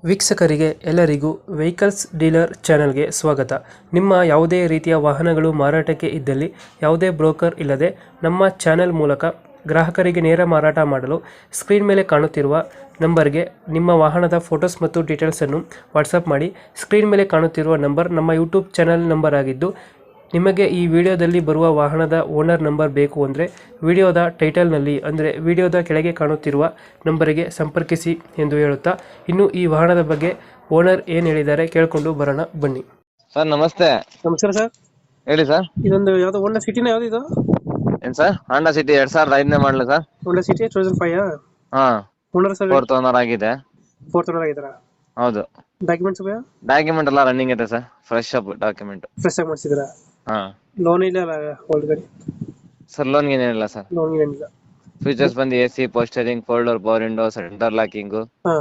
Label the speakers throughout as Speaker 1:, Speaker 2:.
Speaker 1: ವೀಕ್ಷಕರಿಗೆ ಎಲ್ಲರಿಗೂ vehicles dealer ಚಾನೆಲ್ಗೆ ಸ್ವಾಗತ. ನಿಮ್ಮ ಯಾವುದೇ ರೀತಿಯ ವಾಹನಗಳು ಮಾರಾಟಕ್ಕೆ ಇದ್ದಲ್ಲಿ ಯಾವುದೇ ಬ್ರೋಕರ್ ಇಲ್ಲದೆ ನಮ್ಮ ಚಾನೆಲ್ ಮೂಲಕ ಗ್ರಾಹಕರಿಗೆ ನೇರ ಮಾರಾಟ ಮಾಡಲು ಸ್ಕ್ರೀನ್ ಮೇಲೆ ಕಾಣುತ್ತಿರುವ ನಂಬರ್ಗೆ ನಿಮ್ಮ ವಾಹನದ ಫೋಟೋಸ್ ಮತ್ತು ಡೀಟೇಲ್ಸನ್ನು ವಾಟ್ಸಪ್ ಮಾಡಿ. ಸ್ಕ್ರೀನ್ ಮೇಲೆ ಕಾಣುತ್ತಿರುವ ನಂಬರ್ ನಮ್ಮ ಯೂಟ್ಯೂಬ್ ಚಾನೆಲ್ ನಂಬರ್ ಆಗಿದ್ದು, ನಿಮಗೆ ಈ ವಿಡಿಯೋದಲ್ಲಿ ಬರುವ ವಾಹನದ ಓನರ್ ನಂಬರ್ ಬೇಕು ಅಂದರೆ ವಿಡಿಯೋದ ಟೈಟಲ್ನಲ್ಲಿ ಅಂದರೆ ವಿಡಿಯೋದ ಕೆಳಗೆ ಕಾಣುತ್ತಿರುವ ನಂಬರಿಗೆ ಸಂಪರ್ಕಿಸಿ ಎಂದು ಹೇಳುತ್ತಾ, ಇನ್ನು ಈ ವಾಹನದ ಬಗ್ಗೆ ಓನರ್ ಏನು ಹೇಳಿದ್ದಾರೆ ಕೇಳಿಕೊಂಡು ಬರೋಣ ಬನ್ನಿ.
Speaker 2: ಸರ್ ನಮಸ್ತೆ.
Speaker 1: ನಮಸ್ಕಾರ ಸರ್.
Speaker 2: ಹೇಳಿ ಸರ್.
Speaker 1: ಇದೊಂದು ಯಾವ್ದೋ ಹೋಂಡಾ ಸಿಟಿನ ಯಾವ್ದು ಇದು?
Speaker 2: ಏನ್ ಸರ್? ಹಾಂಡಾ ಸಿಟಿ 2005 ಮಾಡಲು ಸರ್.
Speaker 1: Honda City 2005.
Speaker 2: ಹಾ,
Speaker 1: ಓನರ್ ಸರ್?
Speaker 2: 4th ಓನರ್ ಆಗಿದೆ.
Speaker 1: 4th ಓನರ್ ಆಗಿದ್ದಾರಾ?
Speaker 2: ಹೌದು.
Speaker 1: ಡಾಕ್ಯುಮೆಂಟ್ಸ್
Speaker 2: ಡಾಕ್ಯುಮೆಂಟ್ ಎಲ್ಲ ರನ್ನಿಂಗ್ ಇದೆ sir. Fresh up document.
Speaker 1: Fresh ಆಗಿ ಮಾಡಿಸಿದ್ರಾ?
Speaker 2: ಹಾ.
Speaker 1: ಲೋನ್ ಇಲ್ಲ ಓಲ್ಡ್ ಗಾಡಿ?
Speaker 2: ಸರ್ ಲೋನ್ ಏನಿಲ್ಲ ಸರ್.
Speaker 1: ಲೋನ್ ಏನಿಲ್ಲ.
Speaker 2: ಫೀಚರ್ಸ್ ಬಂದು AC, ಪೋಸ್ಟರಿಂಗ್, folder, power window, center locking,
Speaker 1: ಹಾ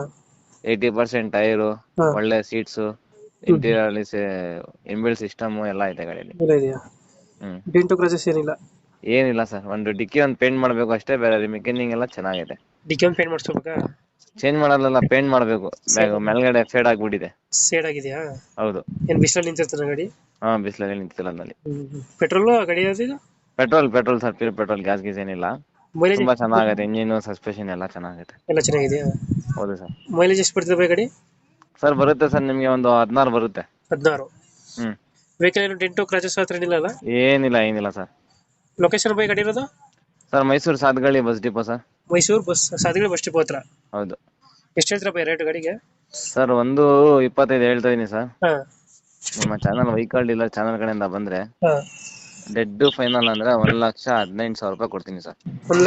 Speaker 2: 80% ಟೈರು,
Speaker 1: ಹಾ.
Speaker 2: ಒಳ್ಳೆ ಸೀಟ್ಸ್, ಇಂಟೀರಿಯರ್ ಅಲ್ಲಿ ಇನ್ಬಿಲ್ಟ್ ಸಿಸ್ಟಮ್ ಎಲ್ಲ ಇದೆ ಗಾಡಿಯಲ್ಲಿ.
Speaker 1: ಎಲ್ಲ ಇದೆಯಾ? ಡೆಂಟು ಕ್ರಾಚಸ್ ಏನಿಲ್ಲ?
Speaker 2: ಏನಿಲ್ಲ ಸರ್. ಒಂದು ಡಿಕ್ಕಿ ಒಂದು ಪೇಂಟ್ ಮಾಡ್ಬೇಕು ಅಷ್ಟೇ, ಬೇರೆ ಮೆಕ್ಯಾನಿಕ್ ಎಲ್ಲ ಚೆನ್ನಾಗಿದೆ.
Speaker 1: ಡಿಕ್ಕಿ ಒಂದು ಪೇಂಟ್ ಮಾಡಿಸ್ಬೇಕಾ?
Speaker 2: ಚೇಂಜ್ ಮಾಡಲ್ಲ, ಪೇಂಟ್ ಮಾಡ್ಬೇಕು. ಮೇಲ್ಗಡೆ ಫೇಡ್ ಆಗ್ಬಿಟ್ಟಿದೆ.
Speaker 1: ಸೇಡ್ ಆಗಿದೆಯಾ?
Speaker 2: ಹೌದು.
Speaker 1: ಏನ್ ಬಿಸಿಲಲ್ಲಿ ನಿಂತಿರ್ತಾನೆ ಗಾಡಿ?
Speaker 2: ಹಾ, ಬಿಸಿಲಲ್ಲಿ ನಿಂತಿಲ್ಲ ನಲ್ಲಿ.
Speaker 1: ಪೆಟ್ರೋಲ್ ಗಾಡಿ ಯಾವ್ದು?
Speaker 2: Petrol sir, pure petrol, gas ಗೀಸ್ ಏನಿಲ್ಲ.
Speaker 1: ಮೈಲೇಜ್
Speaker 2: ತುಂಬಾ ಚೆನ್ನಾಗಿದೆ. ಇಂಜಿನ್, ಸಸ್ಪೆನ್ಷನ್ ಎಲ್ಲ ಚೆನ್ನಾಗಿದೆ.
Speaker 1: ಎಲ್ಲ ಚೆನ್ನಾಗಿದೆಯಾ?
Speaker 2: ಹೌದು ಸರ್.
Speaker 1: ಮೈಲೇಜ್ ಎಷ್ಟು ಬರ್ತದೆ ಬೈ ಗಾಡಿ?
Speaker 2: ಸರ್ ಬರುತ್ತೆ ಸರ್, ನಿಮ್ಗೆ ಒಂದು 16 ಬರುತ್ತೆ.
Speaker 1: 16. ವೆಹಿಕಲ್ ಏನು ಡೆಂಟು ಕ್ರಾಚಸ್ ಹತ್ರ ಏನಿಲ್ಲ?
Speaker 2: ಏನಿಲ್ಲ ಸರ್.
Speaker 1: ಲೊಕೇಶನ್ ಬೈ ಗಾಡಿ ಇರೋದು?
Speaker 2: Sir Mysuru Sathagalli bus depot sir.
Speaker 1: Mysuru ಸಾಧಕಗಳು ಬಸ್ ಡಿಪೋ ಹತ್ರ?
Speaker 2: ಹೌದು.
Speaker 1: ಎಷ್ಟು ಹೇಳ್ತೀರಾ ಬೈ ರೇಟ್ ಗಾಡಿಗೆ?
Speaker 2: ಸರ್ 1.25 ಹೇಳ್ತಾ ಇದೀನಿ ಸರ್.
Speaker 1: ಹಾ
Speaker 2: ನಿಮ್ಮ ಚಾನಲ್ ವೆಹಿಕಲ್ ಡೀಲರ್ ಚಾನಲ್ ಕಡೆಯಿಂದ ಬಂದ್ರೆ
Speaker 1: ಹಾ
Speaker 2: ಡೆಡ್ ಫೈನಲ್ ಅಂದ್ರೆ 1,18,000 ರೂಪಾಯಿ ಕೊಡ್ತೀನಿ ಸರ್.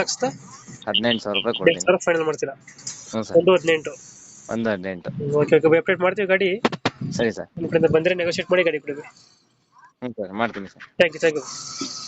Speaker 1: 1,18,000
Speaker 2: ರೂಪಾಯಿ ಕೊಡ್ತೀನಿ.
Speaker 1: ಫೈನಲ್ ಮಾಡ್ತೀರಾ?
Speaker 2: ಹ್ಞೂ ಸರ್.
Speaker 1: 1,18.
Speaker 2: 1.18.
Speaker 1: ಓಕೆ ಅಪ್ಡೇಟ್ ಮಾಡ್ತೀವಿ ಗಾಡಿ.
Speaker 2: ಸರಿ ಸರ್.
Speaker 1: ನಿಮ್ಮ ಕಡೆಯಿಂದ ಬಂದರೆ ನೆಗೋಷಿಯೇಟ್ ಮಾಡಿ ಗಾಡಿ ಕೊಡಿ.
Speaker 2: ಹ್ಞೂ ಸರ್, ಮಾಡ್ತೀನಿ ಸರ್.
Speaker 1: Thank you.